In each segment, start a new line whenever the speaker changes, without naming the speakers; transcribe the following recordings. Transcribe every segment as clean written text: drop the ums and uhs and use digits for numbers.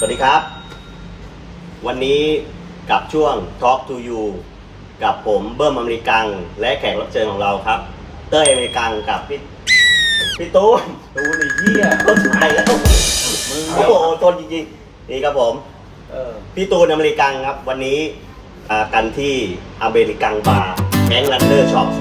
สวัสดีครับวันนี้กับช่วง Talk to You กับผมเบิ้มอเมริกังและแขกรับเชิญของเราครับเต้ยอเมริกังกับพี่ตูน
ไอ้เหี้ย
ต้นไม้แล้วโอ้โหต้นจริงๆนี่ครับผมพี่ตูนอเมริกังครับวันนี้กันที่อเมริกังบาร์แฮงก์ รันเนอร์ช็อป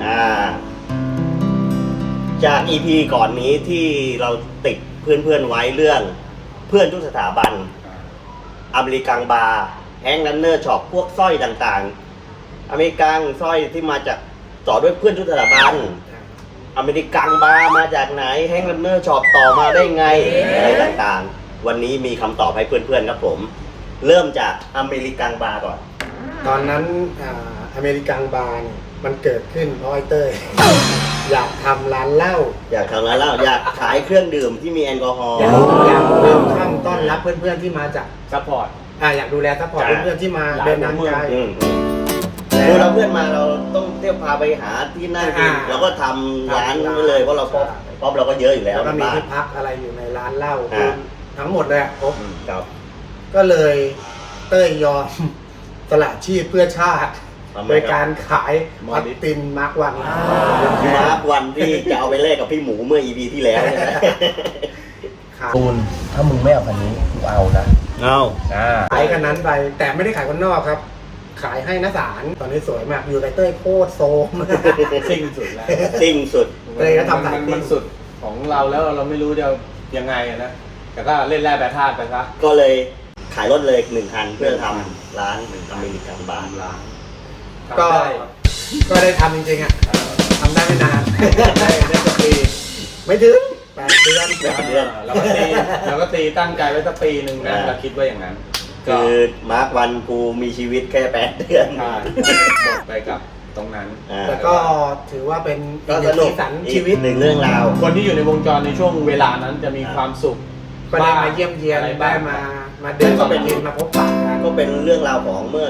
จาก EP ก่อนนี้ที่เราติดเพื่อนๆไว้เรื่องเพื่อนทุกสถาบันอเมริกังบาร์แฮงก์ รันเนอร์ช็อปพวกสร้อยต่างๆอเมริกังสร้อยที่มาจากต่อด้วยเพื่อนทุกสถาบันอเมริกังบาร์มาจากไหนแฮงก์ รันเนอร์ช็อปต่อมาได้ไงอะไรต่างๆวันนี้มีคำตอบให้เพื่อนๆครับผมเริ่มจากอเมริกังบาร์ก่อน
ตอนนั้นอเมริกังบาร์เนี่ยมันเกิดขึ้นเพราะไอ้เต้ย อยากทำร้านเหล้า
อยากขายเครื่องดื่มที่มีแอลกอฮอล์
อยากเริ่มข้ามต้อนรับเพื่อนๆที่มาจาก
ซัพพอร์ต
อยากดูแลซัพพอร์ตเพื่อนๆที่มาเดินทางไกล
คือเราเพื่อนมาเราต้องเที่ยวพาไปหาที่นั่งกินเราก็ทำร้านไว้เลยเพราะเราป๊อปเราก็เยอะอยู่แล้ว
ก็มีที่พักอะไรอยู่ในร้านเหล้าทั้งหมดเลยครบก็เลยเต้ยยอมสละชีพเพื่อชาติโดยการขายมัตตินมาร์กวัน
ที่จะเอาไปแลกกับพี่หมูเมื่อ EP ที่แล้ว
ตูนถ้ามึงไม่เอาคันนี้กูเอานะ
ขายคันนั้นไปแต่ไม่ได้ขายคนนอกครับขายให้นักสารตอนนี้สวยมากอยู่ในเต้ยโคตรโซม
ซิ่งสุดแล้ว
ซิ่งสุด
เลยก็ทำ
มันสุดของเราแล้วเราไม่รู้จะยังไงนะแต่ก็เล่นแร่แปรธาตุไปซะ
ก็เลยขายรถเลย1 คันเพื่อทำร้านอเมริกังบาร์
ก็ได้ทำจริงๆทำได้ไม่นานได้สักปีไม่ถึง8 เดือน
เราก็ตีตั้งใจไว้สักปีหนึ่งนะเราคิดว่าอย่างนั้น
คือมาร์ควันกูมีชีวิตแค่8 เดือน
หมดไปกับตรงนั้น
แต่ก็ถือว่าเป็นอีกสีสันชีวิต
หนึ่งเรื่องราว
คนที่อยู่ในวงจรในช่วงเวลานั้นจะมีความสุข
ก็ได้มาเยี่ยมเยียนได้มาเดินก็เป็นมาพบปะกัน
ก็เป็นเรื่องราวของเมื่อ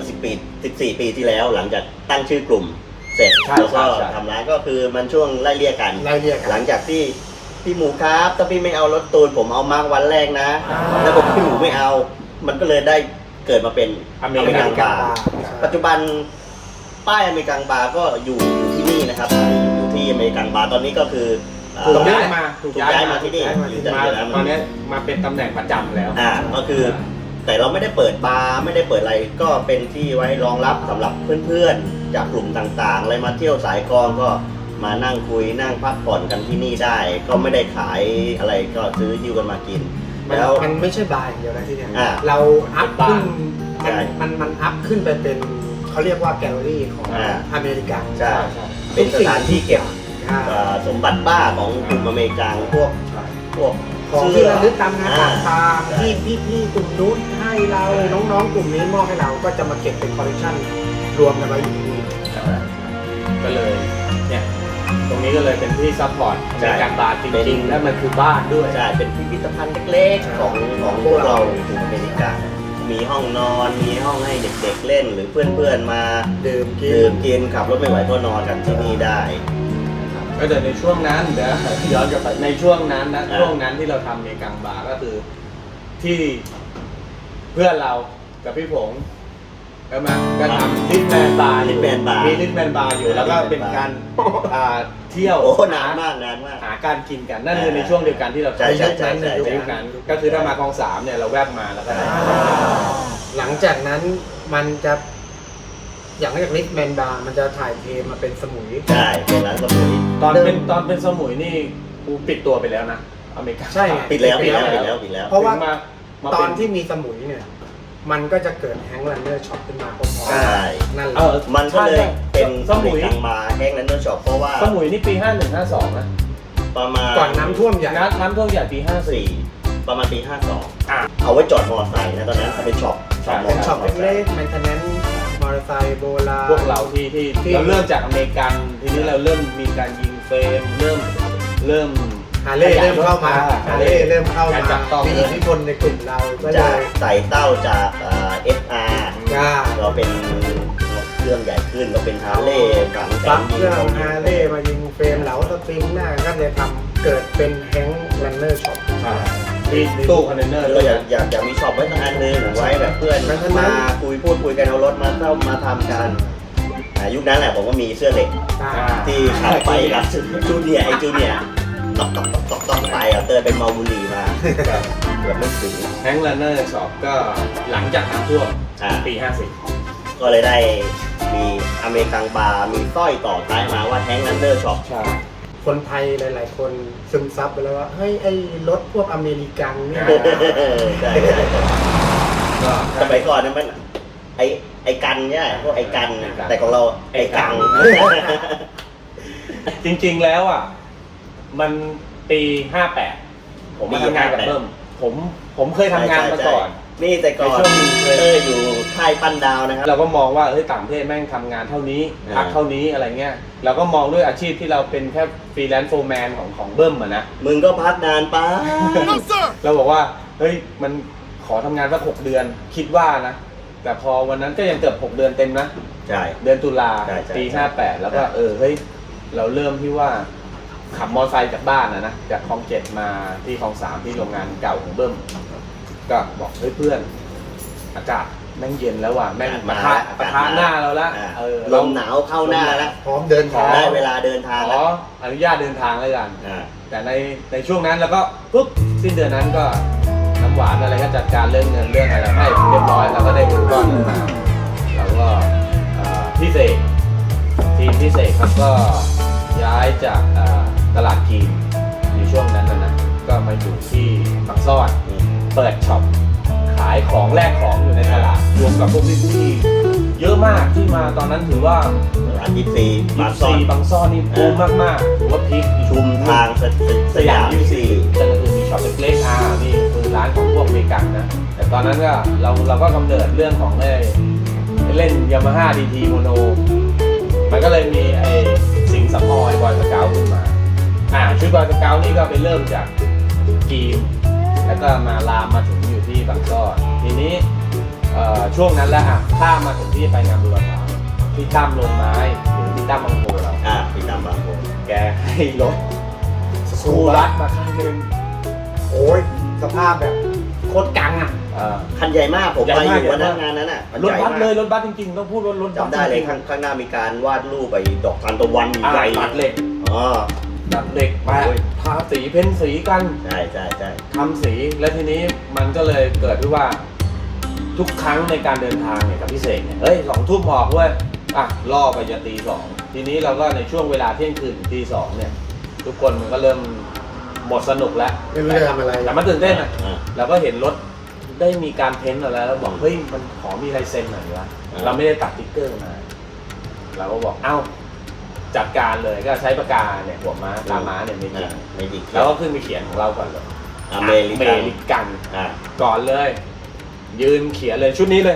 14 ปีที่แล้วหลังจากตั้งชื่อกลุ่มเสร็จแล้วก็ทำร้านก็คือมันช่วงไล่เลี่ยกันหลังจากที่พี่หมูครับถ้าพี่ไม่เอารถตูนผมเอามาร์ควันแรกนะแล้วบอกพี่หมูไม่เอามันก็เลยได้เกิดมาเป็นอเมริกังบาร์ปัจจุบันป้ายอเมริกังบาร์ก็อยู่ที่นี่นะครับอยู่ที่อเมริกังบาร์ตอนนี้ก็คือ
ถูกย้ายมา
ที่นี่
ตอนนี้มาเป็นตำแหน่งประจำแล้ว
ก็คือแต่เราไม่ได้เปิดบาร์ไม่ได้เปิดอะไรก็เป็นที่ไว้รองรับสำหรับเพื่อนๆจากกลุ่มต่างๆอะไรมาเที่ยวสายกลองก็มานั่งคุยนั่งพักผ่อนกันที่นี่ได้ก็ไม่ได้ขายอะไรก็ซื้อยิ้วกันมากิน
แล้วมันไม่ใช่บาร์อย่างเดียวนะที่นี่เราอัพขึ้นมันอัพขึ้นไปเป็นเขาเรียกว่าแกลเลอรี่ของอเมริกัน
ใช่เป็นสถานที่เก็บสมบัติบ้าของกลุ่มอเมริกันพวก
ของที่ระลึกตามงานต่างๆที่พี่กลุ่มนู้นให้เราน้องๆกลุ่มนี้มอบให้เราก็จะมาเก็บเป็นคอลเลคชันรวมกันไว้อยู่ที่นี่
ก็เลยเนี่ยตรงนี้ก็เลยเป็นที่ซัพพอร์ตในการบาร์จริงๆและมันคือบ้านด้วย
ใช่เป็นพิพิธภัณฑ์เล็กๆของพวกเรากลุ่มอเมริกันมีห้องนอนมีห้องให้เด็กๆเล่นหรือเพื่อนๆมา
ดื่ม
กินขับรถไม่ไหวก็นอนกันที่นี่ได้
ก็แต่ในช่วงนั้นเดี๋ยวย้อนกลับไปในช่วงนั้นนะช่วงนั้นที่เราทำในกังบาร์ก็คือที่เพื่อนเรากับพี่ผงก็ทำลิทแมนบาร์มีลิทแมนบาร์อยู่แล้วก็เป็นการเที่ยวน
านมาก
หาการกินกันนั่นคือในช่วงเดียวกันที่เรา
ใช้
ในยุคนั้นก็คือถ้ามาคลอง3เนี่ยเราแวบมาแล้วก็
หลังจากนั้นมันจะอย่างจากลิทแมนบาร์มันจะถ่ายเทมาเป็นสมุย
ใช่เป็นร้านสมุย
ตอนเป็นสมุยนี่กูปิดตัวไปแล้วนะอเมริกา
ใช่
ปิดแล้ว
เพราะว่าตอนที่มีสมุยเนี่ยมันก็จะเกิดแฮงก์ รันเนอร์ช็อปขึ้นมาพร้อมๆ
ใช่
นั่นแหละ
มันก็เลยเป็นสมุยมาแฮงก์ รันเนอร์ช็อปเพราะว่า
สมุยนี่ปี51-52นะ
ประมาณ
ก่อนน้ำท่วมใหญ่
ปี54
ประมาณปี52เอาไว้จอดมอเตอร์ไซค์นะตอนนั้นเป็นช็อป
เล็กๆแมนเทนแนนซ์มอเตอร์ไซค์โบราณ
พวกเราที่เราเริ่มจากอเมริกันทีนี้เราเริ่มมีการยิงเฟรมเริ่ม
ฮาเล่เริ่มเข้ามามีอิทธิพลในกลุ่มเราก็
จะใส่เต้าจากSR เราเป็นเครื่องใหญ่ขึ้นเราเป็นฮาเล่ฝัง
ปั๊บเครื่องฮาเล่มายิงเฟรมเหลาสปริงหน้าก็เลยทำเกิดเป็นแฮงก์ รันเนอร์ช็อป
ที่ตู้คอนเทนเนอร์
เราอยากมีช็อปไว้สักอันนึงไว้แบบเพื่อนมาพูดกันเอารถมาเข้ามาทำกันยุคนั้นแหละผมก็มีเสื้อเหล็กที่ขับไปกับจูเนียร์ต้องไปเตยเป็นเมาบุหรี่มาเกือบไม่ถึง
แฮงก์ลันเนอร์ช็อปก็หลังจากน้ำท่วมปี
ก็เลยได้มีอเมริกันบาร์มีสร้อยต่อท้ายมาว่าแฮงก์ลันเนอร์ช็อป
50ใช่
คนไทยหลาย ๆ คนซึมซับไปแล้วว่าเฮ้ยไอ้รถพวกอเมริกันเนี่ย
ใช่
ก็
สมัยก่อนนั้นมันไอ้กันเนี่ยพวกไอ้กันแต่ของเราไอ้กัง
จริงๆแล้วอ่ะมันปี 58ผมมาทำงานกับเบิ้มผมเคยทำงานมาก่อน
นี่แต่ก่อนอยู่ค่ายปั้นดาวนะครับ
เราก็มองว่าเฮ้ยต่างประเทศแม่งทำงานเท่านี้พักเท่านี้อะไรเงี้ยเราก็มองด้วยอาชีพที่เราเป็นแค่ฟรีแลนซ์โฟร์แมนของเบิ้มอะนะ
มึงก็พักนานไป
เราบอกว่าเฮ้ยมันขอทำงานสัก6 เดือนคิดว่านะแต่พอวันนั้นก็ยังเกือบ6 เดือนเต็มนะ
ใช่
เดือนตุลา
ใช่
ปี 58แล้วก็เฮ้ยเราเริ่มที่ว่าขับมอเตอร์ไซค์จากบ้านนะจากคลอง 7มาที่คลอง 3ที่โรงงานเก่าของเบิ้มก็บอกเฮ้ยเพื่อนอากาศแม่งเย็นแล้วว่ะแม่งปะทะหน้าเราละ
ลมหนาวเข้าหน้าแล้ว
พร้อมเดินทาง
ได้เวลาเดินทาง
ข
แล้
อ
ว
อนุญาตเดินทางแล้วกัน
อ่า
แต่ในช่วงนั้นแล้วก็ปุ๊บสิ้นเดือนนั้นก็น้ำหวานอะไรก็จัดการเรื่องเงินเรื่องอะไรให้เรียบร้อยแล้วก็ได้เงินก้อนนั้นมาแล้วก็พี่เสกทีมพี่เสกครับก็ย้ายจากตลาดกีนในช่วงนั้นนะก็มาอยู่ที่บางซ่อนเปิดช็อปขายของแลกของอยู่ในตลาดรวมกับพวกพี่ๆเยอะมากที่มาตอนนั้นถือว่า
ร้าน24บางซ่อน
บางซ่อนนี่บูมมากๆถือว่าพีค
ชุมทางสยาม24
จะคือมีช็อปเล็กๆนี่คือร้านของพวกอเมริกันนะแต่ตอนนั้นก็เราก็กำเนิดเรื่องของเล่นยามาฮ่าดีทีโมโนมันก็เลยมีไอ้สิงห์สำออยบอยสเกลขึ้นมาชุดบอยสเกลนี่ก็ไปเริ่มจากกีมแล้วก็มาลามมาถึงอยู่ที่บางซ่อนทีนี้ช่วงนั้นแล้วข้ามมาถึงที่ไปงานบุรพาที่ตั้มลงไม้หรือที่ตั้มบางโพเรา
พี่ตามบางคน
แกให้รถสูรัดมาคันหนึ่ง
โอ้ยสภาพแบบโคตรกังอ่ะ
คันใหญ่มากผมไปอยู่วันนั้นงานนั้นอ่ะ
รถบัสเลยรถบัสจริงๆต้องพูดว่ารถบัส
จำได้เลยข้างหน้ามีการวาดรูปไปดอกทานตะวันใหญ่
ตัดเหล็ก
อ๋อ
ตัดเหล็กไปทาสีเพ้นสีกัน
ใช่
ทำสีแล้วทีนี้มันก็เลยเกิดที่ว่าทุกครั้งในการเดินทางเนี่ยกับพี่เสกเนี่ย2 ทุ่มออกเว้ยล่อไปจะตี 2ทีนี้เราก็ในช่วงเวลาเที่ยงคืนถึงตี 2เนี่ยทุกคนมันก็เริ่มหมดสนุกแล้ว
ไม่รู้จะทำอะไร
แต่มันตื่นเต้นเราก็เห็นรถได้มีการเพ้นท์อะไรแล้วบอกเฮ้ยมันขอมีลายเซ็นหน่อยวะเราไม่ได้ตัดติ๊กเกอร์มาเราก็บอกจัดการเลยก็ใช้ปากกาเนี่ยหัวม้าตาม้าเนี่ยไม่จริงแล้วก็ขึ้นไปเขียนของเราก่อนเลยอเมริกันก่อนเลยยืนเขียนเลยชุดนี้เลย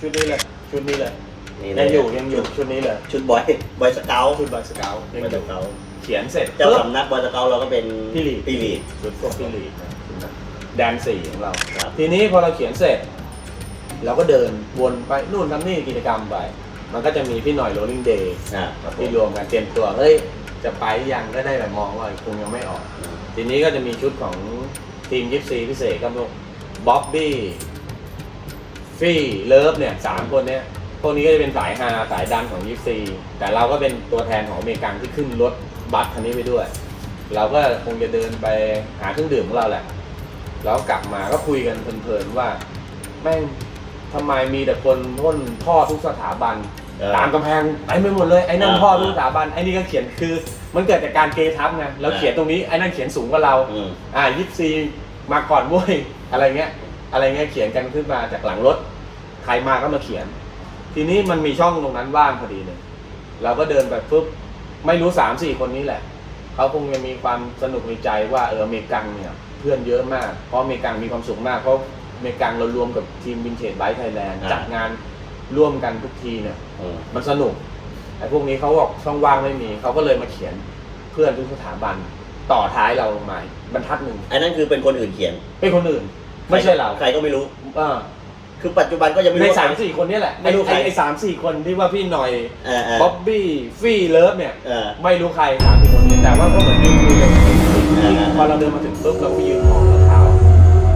ยังอยู่ชุดนี้เลย
ชุดบอยสเกล
ชุดบอยสเกลยังอยู่เขียนเสร็จ
เจ้าสำนักบอยสเกลเราก็เป็น
พี่ลีดชุดพวกพี่ลีดแดน4ของเรา ทีนี้พอเราเขียนเสร็จเราก็เดินวนไปนู่นทำนี่กิจกรรมไปมันก็จะมีพี่หน่อยโรลลิ่งเดย์ที่รวมกันเตรียมตัวเฮ้ยจะไปยังก็ได้แบบมองว่าคงยังไม่ออกทีนี้ก็จะมีชุดของทีมยิปซีพิเศษก็พวกบ๊อบบี้ฟี่เลิฟเนี่ย3 คนเนี้ยพวกนี้ก็จะเป็นสายฮาสายดันของยิปซีแต่เราก็เป็นตัวแทนของอเมริกันที่ขึ้นรถบัสคันนี้ไปด้วยเราก็คงจะเดินไปหาเครื่องดื่มของเราแหละแล้วกลับมาก็คุยกันเพลินๆว่าแม่งทำไมมีแต่คนพ่นพ่อทุกสถาบันตามกำแพงไปไม่หมดเลยไอ้นั่นพ่อทุกสถาบันไอ้นี่ก็เขียนคือมันเกิดจากการเกทับไงแล้วเขียนตรงนี้ไอ้นั่นเขียนสูงกว่าเรายิปซีมาก่อนเว้ยอะไรเงี้ยเขียนกันขึ้นมาจากหลังรถใครมาก็มาเขียนทีนี้มันมีช่องตรงนั้นว่างพอดีเลยเราก็เดินไปปุ๊บไม่รู้ 3-4 คนนี้แหละเขาคงจะมีความสนุกในใจว่าอเมริกันเนี่ยเพื่อนเยอะมากเพราะอเมริกันมีความสุขมากเพราะอเมริกันเรารวมกับทีมวินเทจไบค์ไทยแลนด์จัดงานร่วมกันทุกทีเนี่ยมันสนุกไอ้พวกนี้เขาบอกช่องว่างไม่มีเขาก็เลยมาเขียนเพื่อนทุกสถาบันต่อท้ายเรามาบรรทัดหนึ่ง
ไอ้นั่นคือเป็นคนอื่นเขียน
เป็นคนอื่นไม่ใช่เรา
ใครก็ไม่รู้คือปัจจุบันก็ยังไม่รู้
ใน 3-4 คนนี้แหละไอ้3-4 คนที่ว่าพี่หน่อย บ๊อบบี้ฟี่เลิฟเนี่ยไม่รู้ใคร3-4 คนนี้แต่ว่าก็เหมือนยืนคุยกันพอเราเดินมาถึงปุ๊บเราก็ยืนมองรองเท้า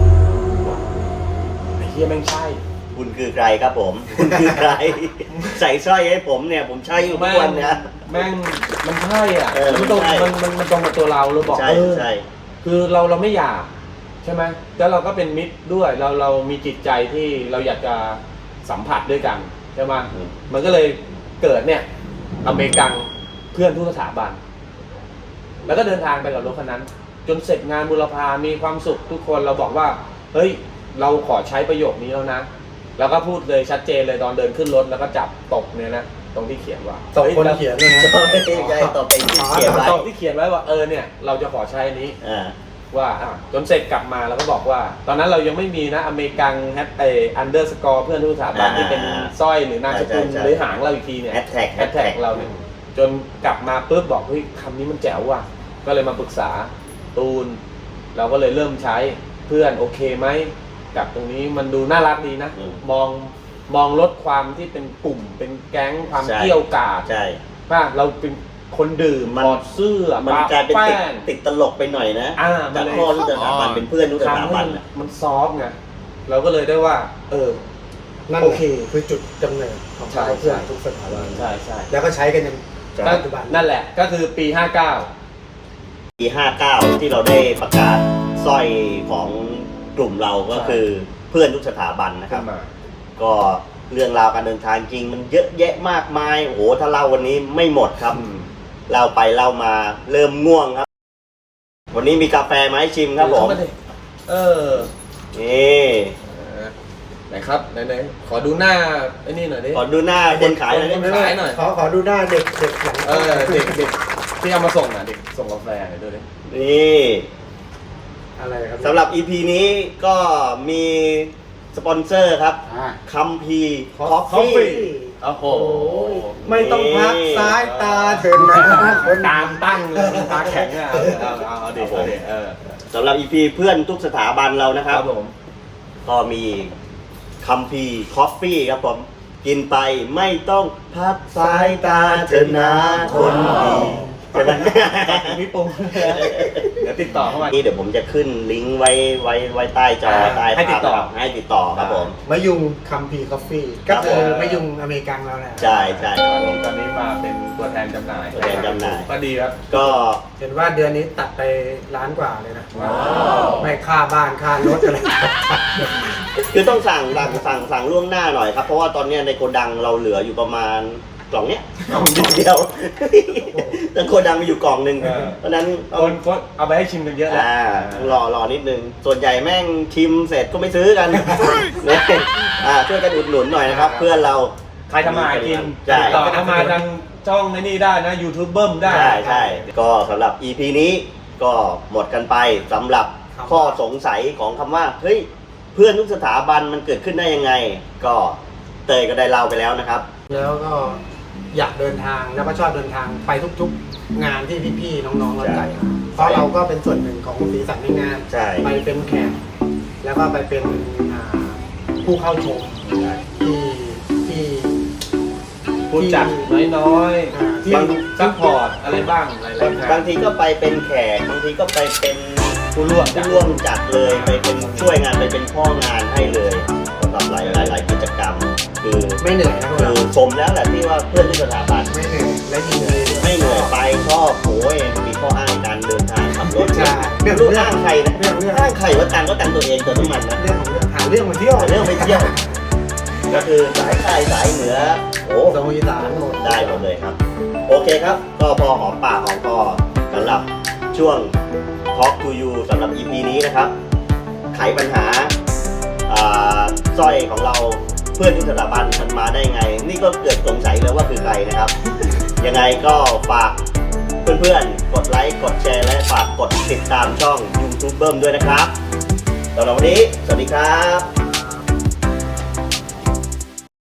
แม่งใช่
คุณคือใครครับผม คุณคือใคร ใส่สร้อยให้ผมเนี่ยผมใช้อยู่ทุกวันนะ
แม่งมันใช่อ่ะ
เออ
มันตรง
ใช่
มันตรงกับตัวเราบอก
ใช่ใช่
คือเราไม่อยากใช่ไหมแล้วเราก็เป็นมิตรด้วยเรามีจิตใจที่เราอยากจะสัมผัสด้วยกันใช่ไหมมันก็เลยเกิดเนี่ยอเมริกันเพื่อนทุกสถาบัน แล้วก็เดินทางไปกับรถคันนั้น จนเสร็จงานบุรพามีความสุขทุกคนเราบอกว่าเฮ้ยเราขอใช้ประโยคนี้แล้วนะแล้วก็พูดเลยชัดเจนเลยตอนเดินขึ้นรถแล้วก็จับตบเนี่ยนะตรงที่เขียนว่า
ตบคนเขียนด้วยนะ
ใช่ต่อไปที่เขียนไว้
ตบที่เขียนไว้ว่าเนี่ยเราจะขอใช้อันนี้
อ่า
ว่าจนเสร็จกลับมาแล้วก็บอกว่า ตอนนั้นเรายังไม่มีนะอเมริกันอันเดอร์สกอร์เพื่อนทุกสถาบันที่เป็นสร้อยหรือนามสกุลหรือหางเราอีกทีเนี่ย
แฮชแท็ก
แฮชแท็กเราเนี่ยจนกลับมาปุ๊บบอกเฮ้ยคำนี้มันแจ๋วว่ะก็เลยมาปรึกษาตูน เราก็เลยเริ่มใช้เพื่อนโอเคไหมกับตรงนี้มันดูน่ารักดีนะ มองลดความที่เป็นกลุ่มเป็นแก๊งความเกี่ยวกาด
ใช่
ว่าเราเป็นคนดื่มถอดเสื้อ
มันกลายเป็น
แป้ง
ติดตลกไปหน่อยนะ
มั
จาก
นเลย
พ่อทุกสถาบันเป็นเพื่อนทุกสถา
ทำให้
บัน
มันซอฟต์ไงเราก็เลยได้ว่า
นั่น
โอเค
คือจุดกำเนิดของ
ใช่
เพื่อนทุกสถาบัน
ใช่ใช่
แล้วก็ใช้กันจน
ก็
ปัจจุบัน
นั่นแหละก็คือปี
ปี 59 ที่เราได้ประกาศสร้อยของกลุ่มเราก็คือเพื่อนทุกสถาบัน
59
นะครับ
ขึ้นมา
ก็เรื่องราวการเดินทางจริงมันเยอะแยะมากมายโอ้โหถ้าเล่าวันนี้ไม่หมดครับเล่าไปเล่ามาเริ่มง่วงครับ วันนี้มีกาแฟมาให้ชิมครับผม
เข้าาดิ
นี่
ไหนครับไหนขอดูหน้าไอ้นี่หน่อยดิ
ขอดูหน้าคนขายหน่อยได้ไหม
ขายหน่อย
ขอดูหน้าเด็กหลัง
เด็กที่เอามาส่งเด็กส่งกาแฟหน่อยดูดิ
นี่
อะไรครับ
สำหรับ EP นี้ก็มีสปอนเซอร์ครับ
อ่า
คัมพีคอฟ
Coffee
ฟี่
โอ้โห
ไม่ต้องพักซ้ายตาเถินนะคน
ตามตั้งเลยตาแข็งอ่ะเอาดิ
สำหรับ EP เพื่อนทุกสถาบันเรานะค
ค
รั
รับ บผม
ก็มีคัมพีคอฟฟี่ครับผม กินไปไม่ต้องพักสายตาเถินนะคนดีใช่ไหม
พี่ปุ้งเดี๋ยวติดต่อเข้ามา
นี่เดี๋ยวผมจะขึ้นลิงก์ไว้ใต้จอใต้
ให้ติดต่อ
ภาพนะครับให้ติดต่อครับผม
มะยุงคัมพีคอฟฟี่ก็คือมะยุงอเมริกันเราแหละ
ใช่ใช่
ตอนนี้มาเป็นตัวแทนจำหน่าย
ตัวแทนจำหน่าย
ก็ดีครับ
ก็
เห็นว่าเดือนนี้ตัดไปล้านกว่าเลยนะไม่ค่าบ้านค่ารถอะไร
คือต้องสั่งล่วงหน้าหน่อยครับ เพราะว่าตอนเนี้ยในโกดังเราเหลืออยู่ประมาณกล่องเนี้ยกล่องเดียวแต่โกดังมีอยู่กล่องหนึ่งเพราะฉะนั้นต้อง
คนเอาไปให้ชิมกันเยอะแล้ว
รอนิดนึง ส่วนใหญ่แม่งชิมเสร็จก็ไม่ซื้อกันเนี่ยช่วยกันอุดหนุนหน่อยนะครับ เพื่อนเรา
ใครทำมาหากิน
ใช่
ติดต่อเข้ามาทางช่องในนี่ได้นะ YouTube เบิ้มได้
ใช่ก็สำหรับ EP นี้ก็หมดกันไปสำหรับข้อสงสัยของคำว่าเฮ้ยเพื่อนทุกสถาบันมันเกิดขึ้นได้ยังไง ก็เตยก็ได้เล่าไปแล้วนะครับ
แล้วก็อยากเดินทางแล้วก็ชอบเดินทางไปทุกๆงานที่พี่ๆน้องๆเราจัดเพราะเราก็เป็นส่วนหนึ่งของสีสันในงาน
ใช่
ไปเป็นแขกแล้วก็ไปเป็นผู้เข้าชมที่
ผู้จัดน้อย
ที่
ๆบางซัพพอร์ตอะไรบ้างหลายๆงาน
บางทีก็ไปเป็นแขกบางทีก็ไปเป็น
ผู้ร่วม
ผู้ร่วมจัดเลยไปเป็นช่วยงานไปเป็นพ่องานให้เลยสำหรับหลายกิจกรรม คือ
ไม่เหนื่อยนะพวก
คื
เรา
อชมแล้วแหละที่ว่าเพื่อนที่สถาบัน
ไม่เหนื่อยและยินดีด้วย
ไม่เหนื่อยไปชอบโอ้ยมีข้ออ้างการเดินทางขับรถ
ใช่
เรื่องอ้างใครนะ
เรื่อง
อ้างใครว่าตังก็ตังตัวเองเติมน้ำมันนะ
เรื่องของเรื่องหาเรื่องมาเที่ยว
เรื่องไปเที่ยวก็คือสายใต้สายเหนือโอ้
ตรงอีสานหมด
ได้หมดเลยครับ โอเคครับ ก็พอหอมปากหอมคอสำหรับช่วง Talk to you สำหรับ EP นี้นะครับ ไขปัญหาสร้อยของเราเพื่อนทุกสถาบันมันมาได้ไง นี่ก็เกิดสงสัยเลยว่าคือใครนะครับ ยังไงก็ฝากเพื่อนๆ กดไลค์ กดแชร์ และฝากกดติดตามช่อง YouTube เบิ้มด้วยนะครับสำหรับวันนี้ สวัสดีครับ